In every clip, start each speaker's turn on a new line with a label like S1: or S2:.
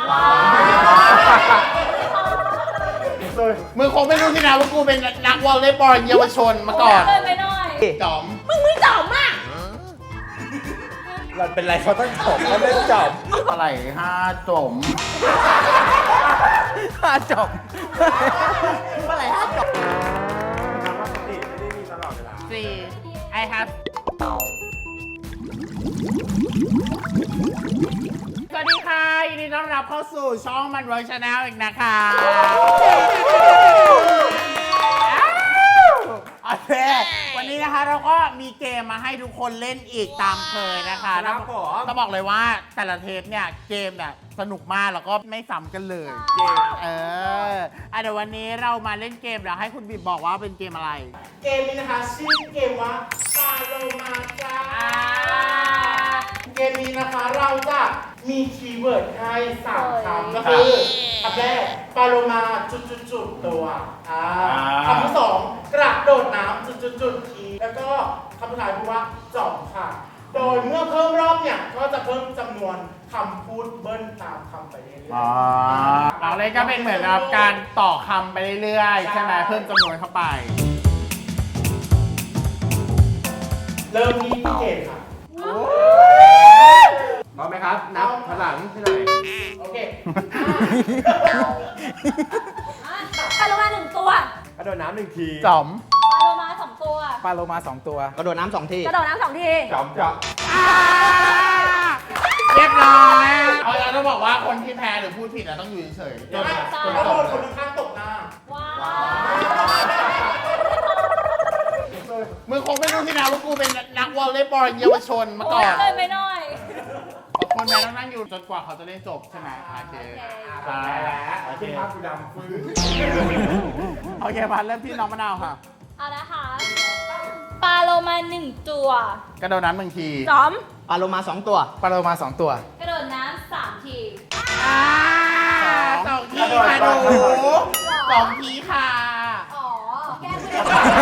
S1: มึงคงไม่รู้ที่นะว่ากูเป็นนักวอลเลย์บอลเยาวชนมาก่อน
S2: เลยไปหน่อย
S1: จอม
S2: มึงไม่จอมอ่ะ
S3: เราเป็นไรเขาต้องจบเขาไม่จบ
S1: อะไรห้าจม
S3: ถ้าจบ
S1: อะไรห้าจม
S3: คำว่าสติไม่ได้มีตลอดเวลา
S1: สี่I have สวัสดีค่ะยินดีต้อนรับเข้าสู่ช่องมันเวิร์กชาแนลอีกนะคะโอเควันนี้นะคะเราก็มีเกมมาให้ทุกคนเล่นอีกตามเคยนะคะต้องบอกเลยว่าแต่ละเทปเนี่ยเกมเนี่ยสนุกมากแล้วก็ไม่ซ้ำกันเลยเดี๋ยววันนี้เรามาเล่นเกมเดี๋ยวให้คุณบีบบอกว่าเป็นเกมอะไร เกมนี้นะคะชื่อเกมว่าปาโลมาจ้าเกมนี้นะคะเราจะมีคีย์เวิร์ดให้3คำก็คือคำแรกปาโลมาจุดๆตัวคำที่2กระโดดน้ำจุดๆทีแล้วก็คำสุดท้ายพูดว่าจ่อมค่ะโดยเมื่อเพิ่มรอบเนี่ยก็จะเพิ่มจำนวนคำพูดเบิ้ลตามคำไปเรื่อยๆเราเลยก็เป็นเหมือนกับการต่อคำไปเรื่อยๆใช่ไหมเพิ่มจำนวนเข้าไปเริ่มที่พี่เกดค่ะพร้อมไหมครับนับพลังให้หน่อยโอเค
S2: ปลาโลมา1 ตัว
S3: กระโดดน้ำ1 ที
S1: จอม
S2: ปลาโลมา2 ตัว
S3: ปลาโลมา2 ตัว
S4: กระโดดน้ำ2 ที
S2: กระโดดน้ำ2 ที
S3: จอมจอม
S1: เรียบร้อยเราต้องบอกว่าคนที่แพ้หรือพูดผิดต้องอยู่เฉยๆจนโดนคนข้างตกหน้า
S2: ว้าว
S1: มึงคงไม่รู้ที่นะว่ากูเป็นนักวอลเลย์บอลเยาวชนมาก่อน
S2: เลยไปหน่อย
S1: คนแพ้ต้องนั่งอยู่จนกว่าเขาจะเล่นจบใช่ไหมโอเคใช่แล้วโอเค
S3: ภาพกูดำฟื้น
S1: โอเคมาเริ่มที่น้องมะนาวค่ะ
S2: เอานะคะปลาโลมา1 ตัว
S1: กระโดดน้ำ1 ที
S2: จอม
S4: ปลาโลมา2 ตัว
S3: ปลาโลมา2 ตัว
S2: กระโดดน้ำ3 ที
S1: 2 ทีค่ะหนู2 ทีค่ะ
S2: อ๋อ แก้ไม่ได้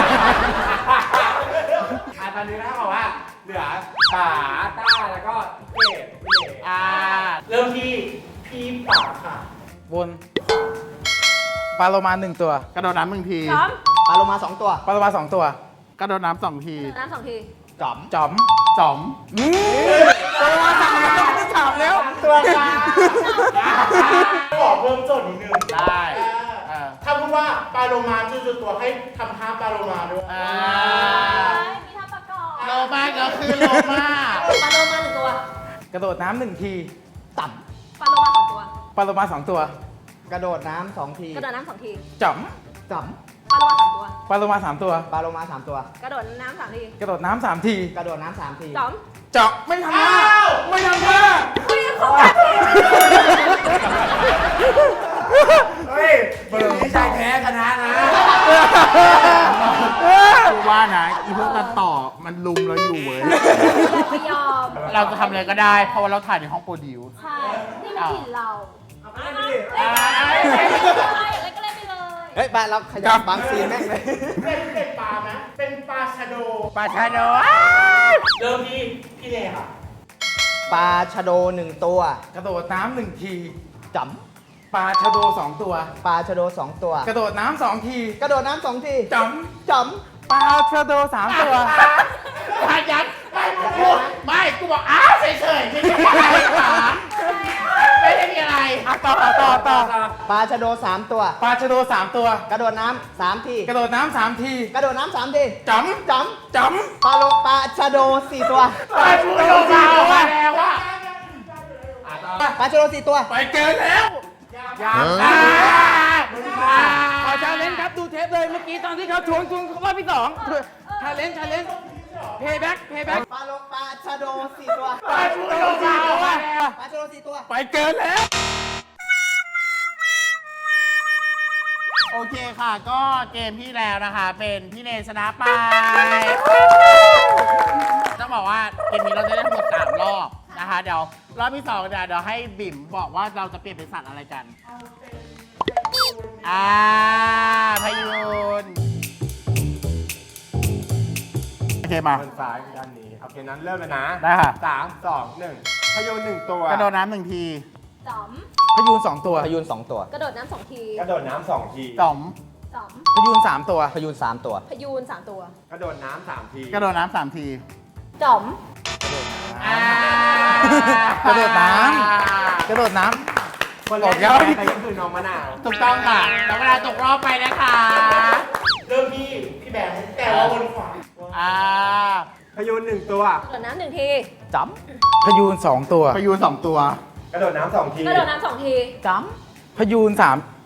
S3: ตอนนี้นะบอกว่าเหลือป๋าต้าแล้วก็เกด
S1: เริ่มที่พี่ป๋าค่ะ
S3: วนปลาโลมา1 ตัว
S1: กระโดดน้ำ1 ที
S2: จอม
S4: ปลาโลมา2 ตัว
S3: ปลาโลมา2 ตัว
S1: กระโดดน้ำ2 ที
S2: กระโดดน้ำ2 ที
S4: จอม
S3: จอม
S1: จอม
S3: ปลาโลมา3 แล้วไม่ได้ถามแล้ว
S1: ตัวกลางขอเพิ่มโจทย์นิดนึงได้ถ้าพูดว่าปลาโลมาจุดๆตัวให้ทำท่าปลาโลมาด้วย
S2: มีท่าประกอบ
S1: โลมาก็คือโลมา
S2: ปลาโลมา1 ตัว
S3: กระโดดน้ำ1 ที
S4: ต่ำ
S2: ปลาโลมา2 ตัว
S3: ปลาโลมา2 ตัว
S4: กระโดดน้ำ2 ที
S2: กระโดดน้ำ2 ที
S3: จอม
S4: จอม
S2: ปลาโลมา3 ตัว
S3: ปลาโลมา3 ตัว
S4: ปลาโลมา3 ตัว
S2: กระโดดน้ำ3 ที
S3: กระโดดน้ำ3 ที
S4: กระโดดน้ำ3 ที
S2: จอม
S3: เจาะไม่ทำท่าไม่ทำท่า
S4: เฮ้ยเบอร์นี้ชายแท้ชนะนะ
S1: คือว่านะอีพวกตัดต่อมันลุมเราอยู่เว้ย
S2: ไม่ยอม
S1: เราจะทำอะไรก็ได้ เพราะว่าเราถ่ายในห้องโปรดิวซ์
S2: ใช่ นี่มันถิ่นเรา
S1: อะไร
S2: อะไรก็เล่นไปเลย
S4: เฮ้ยไปเราขยับบางซีนแม่งเลย
S1: เป็นปลาไหมเป็นปลาชะโด ปลาชะโด เริ่มที่พี่เนยค่ะ
S4: ปลาชะโด1 ตัว
S3: กระโดดน้ำ1 ที
S4: จอม
S3: ปลาชะโด2 ตัว
S4: ปลาชะโด2 ตัว
S3: กระโดดน้ำ2 ที
S4: กระโดดน้ำ2 ที
S3: จอม
S4: จอม
S3: ปลาชะโด3 ตัว
S1: พายันไม่กูบอกอ้าวเฉยๆไม่ได้มีอะไรหรอไม่ได้มีอะไร
S3: ต่อ
S4: ปลาชะโด3 ตัว
S3: ปลาชะโด3 ตัว
S4: กระโดดน้ำ3 ที
S3: กระโดดน้ำ3 ที
S4: กระโดดน้ำ3 ที
S3: จอม
S4: จอม
S3: จอม
S4: ปลาชะโด4 ตัว
S1: ปลาชะโดมาแล้วว่า
S4: ปลาชะโด4 ตัว
S3: ไปเกินแล้ว ขอชาเลนจ์ครับดูเทปเลยเมื่อกี้ตอนที่เขาทวงรอบที่2ชาเลนจ์เพย์แบ็ก
S4: ปลาชะโด4 ตัว
S1: ปลาชะโดมาแล้ว
S4: ปลาชะโด4 ตัว
S3: ไปเกินแล้ว
S1: โอเคค่ะ ก็เกมที่แล้วนะคะ เป็นพี่เนยชนะไปต้องบอกว่าเกมนี้เราจะได้ทั้งหมด3 รอบนะคะ เดี๋ยวรอบที่2เดี๋ยวให้บิ่มบอกว่าเราจะเปลี่ยนเป็นสัตว์อะไรกันพยูนโอเคมา
S3: ด้านซ้ายด้านนี้โอเคนั้นเริ่มเลยนะ
S1: ได้ค่ะ
S3: 3 2 1พยูน1 ตัว
S1: กระโดดน้ำ1 ที
S2: จอม
S3: พยูน2 ตัว
S5: พยูน2 ตัว
S2: กระโดดน้ำ2 ที
S6: กระโดดน้ำ2 ที
S1: จ๋อม
S2: จอม
S3: พยูน3 ตัว
S5: พยูน3 ตัว
S2: พยูน3 ตัว
S6: กระโดดน้ำ3 ที
S1: กระโดดน้ำ3 ที
S2: จอม
S3: กระโดดน้ำกระโดดน้ำ
S6: คนแรกใครก็คือน้องมะนาว
S1: ถูกต้องค่ะแล้วเวลาตกรอบไปนะคะ
S6: เริ่มที่พี่แบงค์แต่ว่าวนขวา พยูน1 ตัว
S2: กระโดดน้ำ1 ที
S5: จ้
S3: พยูน2 ตัว
S1: พยูน2 ตัว
S6: กระโดดน้ำ2 ที
S2: กระโดดน้ำ2 ที
S5: ำจ้
S3: พยูน3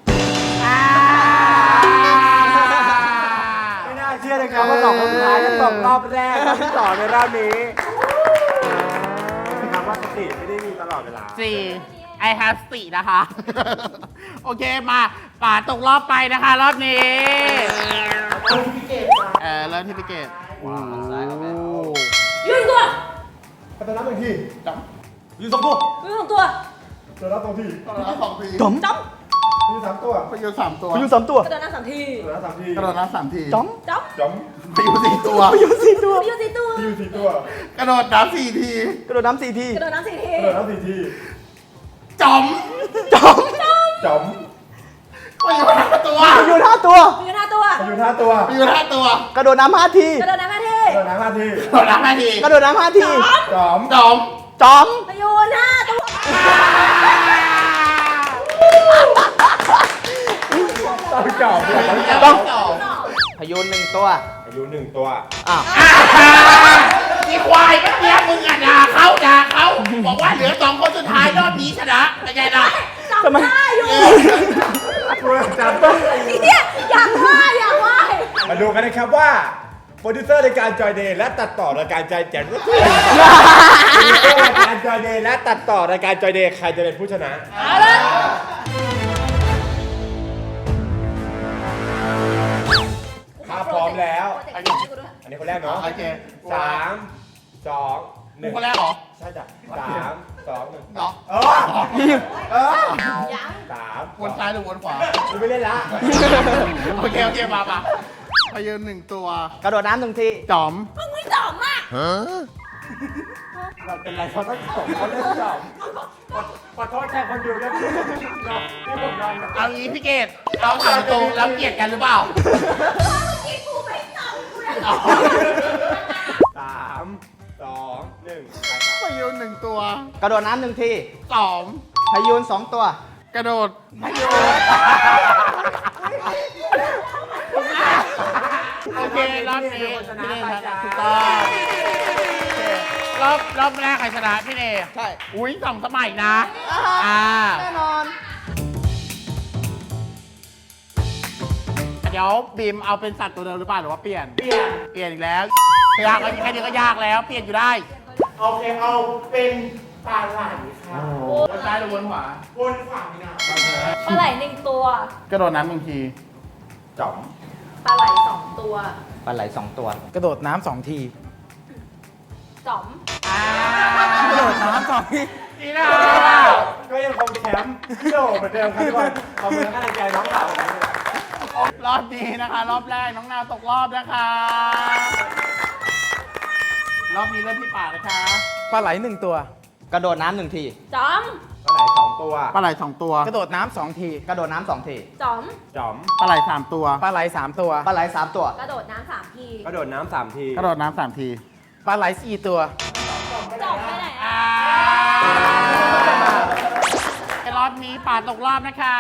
S6: ไม่น่าเชื่อเลยครับว่า2 คนสุดท้ายจะตกรอบแรกรอบที่2ในรอบนี้นะครับว่าสติไม่ได้มีตลอดเวลา
S1: I have 4 นะคะ โอเคมาป่าตกรอบไปนะคะรอบนี้เริ่มที่พิเกตโอ้
S2: ยืนตัว
S6: กระโดดน้ำ1 ที
S1: จ๋อม
S6: ยืน2 ตัว
S2: ยืน2 ตัว
S6: กระโดดน้ำ2 ที
S1: กระโดดน้ำ2 ที
S5: ำจ้อม
S2: จอม
S6: ยืน3 ตัว
S1: พยูน3 ตัว
S5: พยูน3 ตัว
S2: กระโดดน้ำ3 ที
S6: กระโดดน้ำ3 ที
S1: กระโดดน้ำ3 ที
S5: จ้อม
S2: จอม
S6: จอม
S1: พยูน4 ตัว
S5: พยูน4 ตัว
S2: พยูน4 ตัว
S6: ยืน4 ตัว
S1: กระโดดน้ำ4 ที
S5: กระโดดน้ำ4 ที
S2: กระโดดน้ำ4 ที
S6: กระโดดน้ำ4 ที
S1: จ๋อม
S5: จ้อม
S6: จอม
S1: พยูน5 ตัว
S5: พยูน5 ตัว
S2: พยูน5 ตัว
S6: พยูน5 ตัว
S1: พยูน5 ตัว
S5: กระโดดน้ำ5 ที
S2: กระโดดน้ำ5 ที
S6: กระโดดน้ำ5 ที
S1: กระโดดน้ำ5 ที
S5: กระโดดน้ำ5 ที
S6: จอม
S1: จ๋อม
S5: จ้อม
S2: พยูน5 ตัว
S6: ต้องจอม
S1: ต้อง
S5: พยูน1 ตัว
S6: อายุ1 ตัว
S5: อ้าว
S1: มีควายเมื่อกี้มึงอ่ะด่าเขาบอกว่าเหลือ2 คนสุดท้ายรอบนี้ชนะเป็นไงล่ะ
S2: จำได้อยู่
S6: จำต้อง
S2: เนี่ยอยากไหว้
S6: มาดูกันนะครับว่าโปรดิวเซอร์ในการจอยเดย์และตัดต่อรายการจอยแจนโปรดิวเซอร์ในการจอยเดย์และตัดต่อรายการจอยเดย์ใครจะเป็นผู้ชนะ
S2: เอาละ
S6: ถ้าพร้อมแล้ว
S2: อันนี้
S6: อันนี้คนแรกเนาะ
S1: โอเค
S6: 3 2
S1: มึง
S6: 1
S1: คนแรกเหรอ
S6: ใช่จ้ะ3 2 1
S1: เหรอ
S2: ยัง
S6: 3
S1: วนซ้ายหรือวนขวา
S6: กูไม่เล่นละ
S1: โอเคมาพยืน1 ตัว
S5: กระโดดน้ำ1 ที
S1: จ๋อม
S2: มึงไม่จอมอ่ะ
S6: เราเป็นไรเขาต้องส่งเขาเล่นจอมขอโทษแทนคนดูด้วยที่ผมนอน
S1: เอางี้พี่เกดเอาถามตรงแล้วเกลียดกันหรือเปล่า
S2: ที่กูไม่จอมกูเลย
S6: 3 2 1
S1: พยืน1 ตัว
S5: กระโดดน้ำ1 ที
S1: จ๋อม
S5: พยูน2 ตัว
S1: กระโดดพยืนโอเครอบนี้พี่เนชนะถูกต้องรอบแรกใครชนะพี่เน
S5: ใช่
S1: อุ้ย2 สมัยนะ
S5: แน่นอน
S1: เดี๋ยวบีมเอาเป็นสัตว์ตัวเดิมหรือเปล่าหรือว่าเปลี่ยนอีกแล้วยากแค่นี้ก็ยากแล้วเปลี่ยนอยู่ได้
S6: โอเคเอาเป็นปลาไหลค่ะ
S1: วนซ้ายหรือวนขวา
S6: วนขวานี่นะ
S2: ปลาไหล1 ตัว
S1: กระโดดน้ำ1 ที
S6: จ๋อม
S2: ปลาไหล2 ตัว
S5: ปลาไหล2 ตัว
S3: กระโดดน้ำ2 ที
S2: จอม
S3: กระโดดน้ำ2 ที
S1: นี่นะ
S6: ก็ยังคงแชมป์พี่โดเหมือนเดิมครับทุกคนขอบคุณและกำลังใจน้องสาวผมด้วย
S1: รอบนี้นะคะ รอบแรกน้องนาวตกรอบนะคะ รอบนี้เริ่มที่ป่านะคะ
S3: ปลาไหล1 ตัว
S5: กระโดดน้ำ1 ที
S2: จอม
S6: ปลาไหล2 ตัว
S1: ปลาไหล2 ตัว
S3: กระโดดน้ำ2 ที
S5: กระโดดน้ำ2 ที
S2: จอม
S6: จ๋อม
S1: ปลาไหล3 ตัว
S3: ปลาไหล3 ตัว
S5: ปลาไหล3 ตัว
S2: กระโดดน้ำ3 ที
S6: กระโดดน้ำ3 ที
S1: กระโดดน้ำ3 ที
S3: ปลาไหล4 ตัว
S2: จอมไปไหนอ่ะ
S1: รอบนี้ป่าตกรอบนะคะ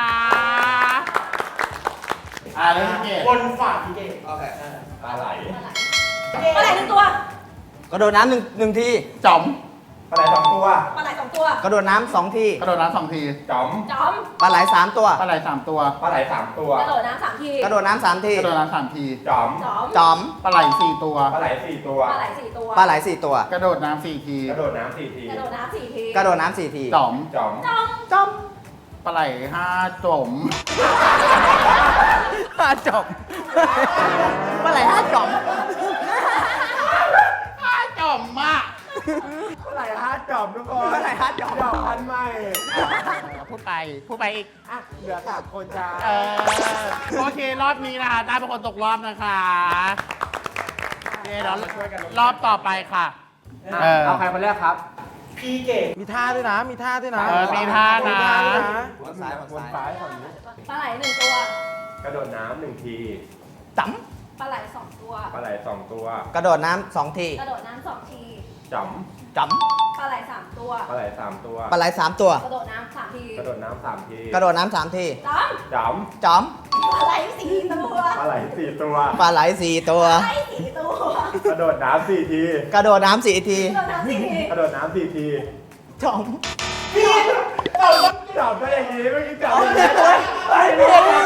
S1: เริ่มที่เกต
S6: วนขวาพี่เก่งโอเคปลาไหล
S2: ปลาไหล1 ตัว
S5: กระโดดน้ำ1 ที
S1: จ๋อม
S6: ปลาไหล2 ตัว
S2: ปลาไหล2 ตัว
S5: กระโดดน้ำ2 ที
S1: กระโดดน้ำ2 ที
S6: จ๋อม
S2: จอม
S5: ปลาไหล3 ตัว
S1: ปลาไหล3 ตัว
S6: ปลาไหล3 ตัว
S2: กระโดดน้ำ3 ที
S5: กระโดดน้ำ3 ที
S1: กระโดดน้ำ3 ที
S6: จ๋อม
S2: จอม
S5: จอม
S1: ปลาไหล4 ตัว
S6: ปลาไหล4 ตัว
S2: ปลาไหล4 ตัว
S5: ปลาไหล4 ตัว
S1: กระโดดน้ำ4 ที
S6: กระโดดน้ำ4 ที
S2: กระโดดน้ำ4 ที
S5: กระโดดน้ำ4 ที
S1: จ๋อม
S6: จ๋อม
S2: จอม
S5: จอม
S1: ปลาไหล5 จ๋อม
S3: จบ
S5: ปลาไหล5 จอม
S1: 5 จ๋อมมาก
S6: ปลาไหล5 จ๋อมทุกคน
S5: ปลาไหล5 จอม
S6: จ๋อมพันใหม่
S1: พูดไปอีก
S6: อ่ะเหลือ3 คนจ้า
S1: โอเค รอบนี้นะคะได้เป็นคนตกรอบนะคะเดี๋ยวรอบต่อไปค่ะ
S6: เอาใครคนแรกครับ
S3: มีท่าด้วยนะ มีท่าด้วยนะ
S1: มีท่านะ
S5: คนซ้ายคนซ้าย
S2: ปลาไหล1 ตัว
S6: กระโดดน้ำ1 ที
S5: จ๋
S2: ปลาไหล2 ตัว
S6: ปลาไหล2 ตัว
S5: ำกระโดดน้ำ2 ที
S2: กระโดดน้ำ2 ที
S6: จ๋
S5: จ๋
S2: ปลาไหล3 ตัว
S6: ำปลาไหล3 ตัว
S5: ำปลาไหล3 ตัว
S2: กระโดดน้ำ3 ที
S6: กระโดดน้ำ3 ที
S5: กระโดดน้ำ3 ที
S2: จ้
S6: จ๋
S5: จ๋อม
S2: ำปลาไหล4 ตัว
S6: ำปลาไหล4 ตัว
S5: ปลาไหล4 ตัว
S2: ปลาไหล4 ตัว
S6: กระโดดน้ำ4 ที
S5: กระโดดน้ำ4 ที
S2: กระโดดน้ำ4 ที
S6: กระโดดน้ำ4 ที
S5: จ๋อม
S6: จับได้อย่างนี้เมื่อกี้จับอย่างนี้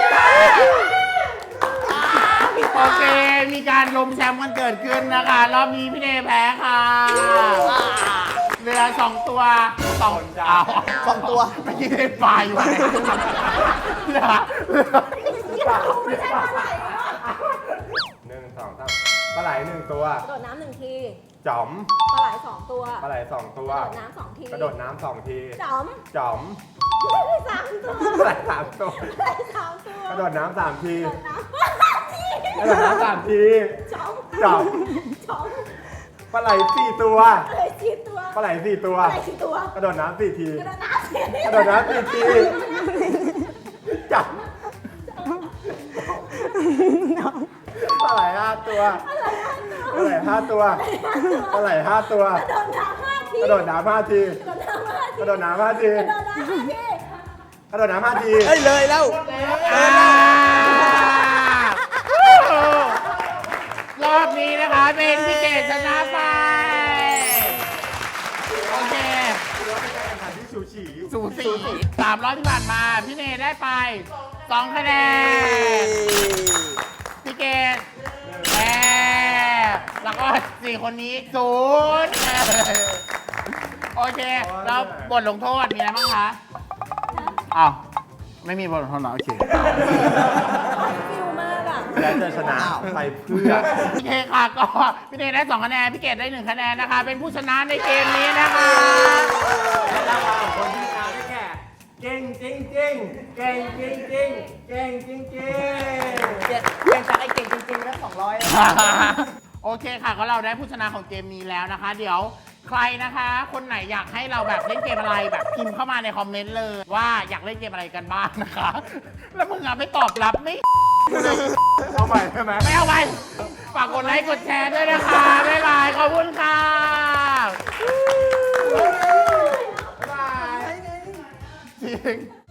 S1: โอเค มีการล้มแชมป์กันเกิดขึ้นนะคะ รอบนี้พี่เนแพ้ค่ะเรือ2 ตัว2อ้าว
S5: 2 ตัว
S1: เมื่อกี้เล่นปลาอยู่ไหนเรือ
S2: ไม่ใช่ปลาไหล
S6: 1 2 3ปลาไหล1 ตัว
S2: กระโดดน้ำ1 ที
S6: จ๋อม
S2: ปลาไหล2 ตัว
S6: ปลาไหล2 ตัว
S2: กระโดดน้ำ2 ที
S6: กระโดดน้ำ2 ที
S2: จ้ำ
S6: จ๋อม
S2: 3 ตัว
S6: ปลาไหล3 ตัว
S2: ปลาไหล3 ตัว
S6: กระโดดน้ำ3 ที
S2: กระโดดน้ำ3 ที
S6: กระโดดน้ำ3 ที
S2: จ้ำ
S6: จ๋อม
S2: จ้ำ
S6: ปลาไหล4 ตัว
S2: ปลาไหล4 ตัว
S6: ปลาไหล4 ตัว
S2: ปลาไหล4 ตัว
S6: กระโดดน้ำ4 ที
S2: กระโดดน้ำ4 ที
S6: กระโดดน้ำ4 ทีจ๋อมปลาไหล5 ตัวปลาไหล5 ตัวปลาไหล5 ตัว
S2: กระโดดน้ำ5 ที
S6: กระโดดน้ำ5 ที
S2: กระโดดน้ำ5 ที
S6: กระโดดน้ำ5 ที
S5: เอ้ยเลยแล้ว
S1: รอบนี้นะคะเป็นพี่เกดชนะไป โอเค
S6: สูสี
S1: สูสี3 รอบที่ผ่านมา พี่เนได้ไป 2 คะแนน พี่เกดแพ้แล้วก็4 คนนี้0โอเค แล้วบทลงโทษมีอะไรบ้างคะอ้าว ไม่มีบทลงโทษเหรอโอเค
S2: ฟิวมากอ่ะ
S6: และจะชนะไปเพื่อ
S1: โอเคค่ะก็พี่เนได้2 คะแนน พี่เกดได้1 คะแนนนะคะ เป็นผู้ชนะในเกมนี้นะคะ
S6: ระหว่างคนที่ชนะได้แก่เก่งจริงจริงเก่งจริงจริงเก่งจริงจริง
S5: เปลี่ยนจากไอ้เก่งจริงๆแล้ว200
S1: โอเคค่ะก็เราได้ผู้ชนะของเกมนี้แล้วนะคะ เดี๋ยวใครนะคะ คนไหนอยากให้เราแบบเล่นเกมอะไรแบบพิมพ์เข้ามาในคอมเมนต์เลยว่าอยากเล่นเกมอะไรกันบ้างนะคะ แล้วมึงอะไม่ตอบรับไม่
S6: เอาใหม่ใช่ไหม
S1: ไม่เอาไปฝากกดไลค์กดแชร์ด้วยนะคะ บ๊ายบาย ขอบคุณค่ะ
S6: บาย
S1: จริง